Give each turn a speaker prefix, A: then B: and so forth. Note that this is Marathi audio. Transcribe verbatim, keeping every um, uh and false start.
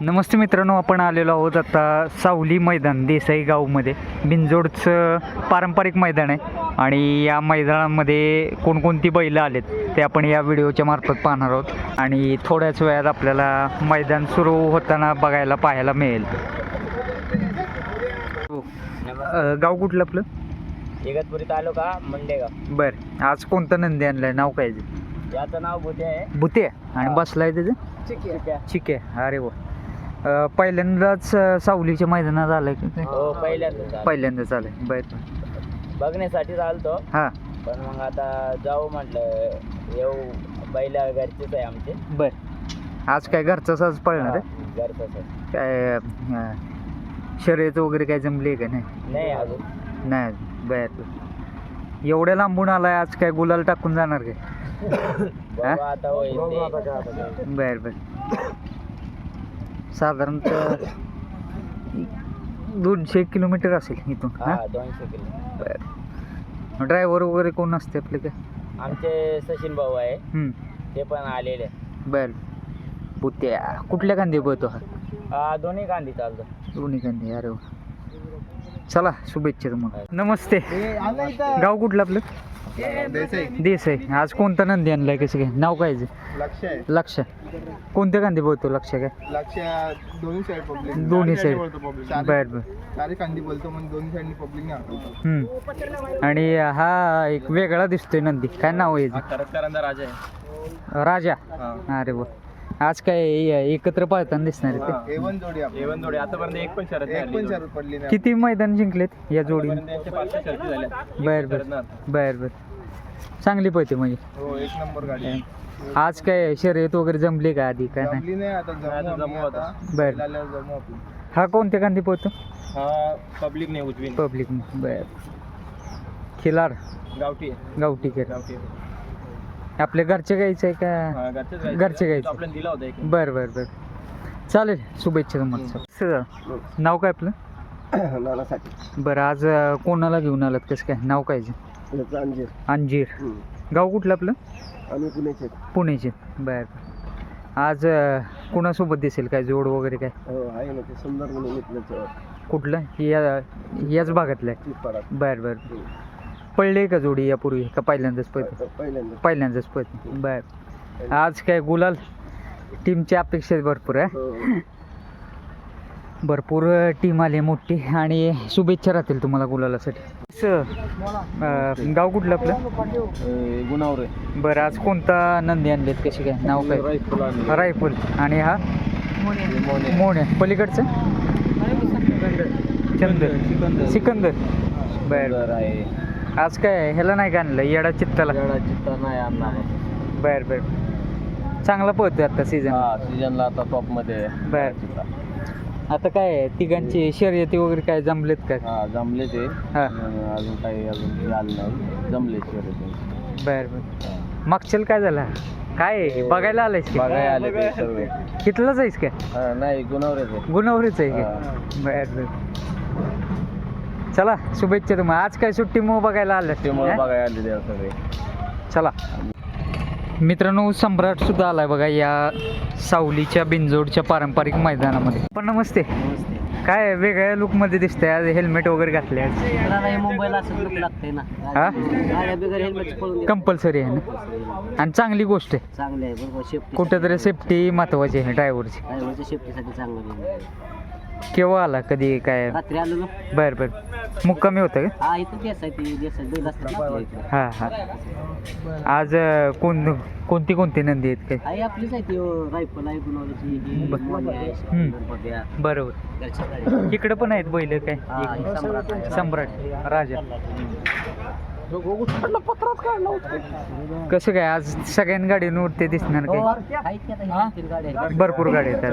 A: नमस्ते मित्रांनो, आपण आलेलो आहोत आता सावली मैदान देसाई गावमध्ये. बिंजोडचं पारंपरिक मैदान आहे आणि या मैदानामध्ये कोणकोणती बैलं आलेत ते आपण या व्हिडिओच्या मार्फत पाहणार आहोत आणि थोड्याच वेळात आपल्याला मैदान सुरू होताना बघायला पाहायला मिळेल. गाव कुठलं आपलं?
B: इगतपुरी तालुका मंडेगाव.
A: बरं, आज कोणतं नंदी आणलं आहे? नाव काय?
B: याचं नाव भुते आहे.
A: भुते आणि बसलाय त्याचं
B: चिक्या.
A: ठीक आहे. अरे वा, पहिल्यांदाच सावलीच्या मैदानात आलंय का?
B: हो, पहिल्यांदा
A: पहिल्यांदाच आलंय. बरं,
B: बघण्यासाठी आलतो,
A: हां
B: पण मग आता जाऊ म्हटलं, येऊ. बैला घरचेच आहे आमचे.
A: बरं, आज काय घरचा साज पळणार आहे?
B: घरचंच आहे.
A: काय अं, शर्यत वगैरे काय जमली आहे का? नाही
B: नाही अजून
A: नाही. बरं, एवढ्या लांबून आलाय, आज काय गुलाल टाकून जाणार काय?
B: बघू आता होईल ते.
A: बरं बरं, साधारणतः दोनशे किलोमीटर असेल इथून.
B: हा, दोनशे किलो.
A: बरं, ड्रायव्हर वगैरे कोण असते आपले काय?
B: आमचे सचिन भाऊ आहे,
A: हम्म.
B: ते पण आलेले.
A: बरं, पुत्या कुठल्या कांदे बघतो हा?
B: हा, दोन्ही कांदी चालतो.
A: दोन्ही कांदे. अरे वा, चला शुभेच्छा तुम्हाला. नमस्ते, गाव कुठलं आपलं? देसाई. आज कोणता नंदी आणलाय? कसं काय? नाव काय?
C: लक्ष आहे.
A: लक्ष. कोणत्या कांदे बोलतो? लक्ष काय?
C: लक्ष दोन्ही साईड पब्लिक.
A: दोन्ही साईड.
C: पब्लिक.
A: बर बर.
C: सारे कांदी बोलतो, मग दोन्ही साईडनी पब्लिक नाही आठवतो.
A: हम्म. आणि हा एक वेगळा दिसतोय नंदी, काय नाव आहे?
B: करंदा राजा आहे.
A: राजा. अरे वा, आज काय एकत्र पाळताना दिसणार आहे ते?
C: एवन जोडी आपली.
B: एवन जोडी आतापर्यंत एक पण शरद
C: एक पण शरद पडली नाही.
A: किती मैदान जिंकलेत या जोडीने? बर बर बर बर. चांगली पळते म्हणजे.
C: हो, एक नंबर गाडी आहे.
A: आज काय शर्यत वगैरे जमली का आधी? काय नाही?
C: जमली नाही, आता जमू
B: जमू आता.
A: बर.
C: आल्यावर जमू आपण.
A: हा कोणत्या कांदी पळतो?
B: हा, पब्लिक नाही उजवी.
A: पब्लिक. बर. खिलार
B: गावठी
A: गावठी केर.
B: गावठी
A: आपल्या घरचे गायचं आहे का?
B: घरचे
A: घरचे गायचं.
B: आपल्याला दिला होता एक.
A: बर बर बर, चालेल. शुभेच्छा तुम्हाला. सर, नाव काय आपलं?
C: नानासाठी.
A: बरं, आज अं, कोणाला घेऊन आलात? कसं काय? नाव काय?
C: अंजीर.
A: अंजीर. गाव कुठलं आपलं?
C: आम्ही पुण्याचे.
A: पुण्याचे. बर. आज अं, कोणासोबत दिसेल काय? जोड वगैरे काय?
C: हो, आहे ना, ते सुंदर म्हणून इथलं.
A: कुठलं? या याच भागातलं आहे? बर बर. पडले का जोडी यापूर्वी का पहिल्यांदाच पळते?
C: पहिल्यांदा.
A: पहिल्यांदाच पळते. बर. आज काय गुलाल? टीमची अपेक्षा भरपूर आहे. भरपूर टीम आली मोठी आणि शुभेच्छा राहतील तुम्हाला गुलालासाठी. सर, गाव कुठलं आपलं?
B: गुणावरे.
A: बरं, आज कोणता नंदी आणलेत? कशी काय? नाव काय? रायफल. आणि हा मोने. पलीकडचं चंदर. सिकंदर. बर.
B: आहे.
A: आज काय ह्याला नाही का आणलं? येडा चित्ताला?
B: चित्ता नाही आणणार.
A: बर बर. चांगला पळतोय आता सीझन.
B: सीजनला आता टॉप मध्ये.
A: बर. आता काय तिघांची शर्यती वगैरे काय जमलेत का?
B: हा, जमले ते.
A: हा.
B: अजून काही अजून झालं नाही. जमले शर्यती.
A: बर बर. मागच्याला काय झालं? काय बघायला आलायस की?
B: बघाय आले ते सर्व.
A: कितलाच आहेस काय?
B: हा, नाही, गुणावरेच.
A: गुणावरीच आहे का? बर बर. चला शुभेच्छा तुम्हाला. आज काय सुट्टी मग बघायला आलं?
B: त्यामुळे बघायला आले ते सगळे.
A: चला मित्रांनो, सम्राट सुद्धा आलाय बघा या सावलीच्या बिंजोडच्या पारंपरिक मैदानामध्ये. पण नमस्ते. काय वेगळ्या लुक मध्ये दिसतंय आज? हेल्मेट वगैरे घातले आज?
B: मुंबईला असं लुक लागतंय ना.
A: हा,
B: बिगर हेल्मेट पळून
A: कंपल्सरी आहे ना, आणि चांगली गोष्ट आहे.
B: चांगले आहे बरोबर. सेफ्टी
A: कुठेतरी सेफ्टी महत्वाची आहे ड्रायव्हरची.
B: ड्रायव्हरच्या सेफ्टीसाठी चांगलं आहे.
A: केव्हा आला? कधी? काय?
B: रात्री आलो ना.
A: बर बर. मुक्कामी होतं का?
B: हा, इथं देसाई ती देसाई बैल असतात ना इथं.
A: हां हां. आज अं, कोण कोणती कोणती नंदी आहेत काय?
B: आहे आपलीच आहे ती रायफल आहे, गुणावरची मोनी आहे,
A: हम्म.
B: बघ्या.
A: बरोबर.
B: घरच्या गाडी.
A: इकडं पण आहेत बैल काय?
B: हा, हे सम्राट आहे.
A: सम्राट राजा. कसं काय आज सगळ्या गाडींवर ते दिसणार
B: हो,
A: काय?
B: आहेत की आता हे तीन गाड्या आहेत.
A: भरपूर गाडी आहेत.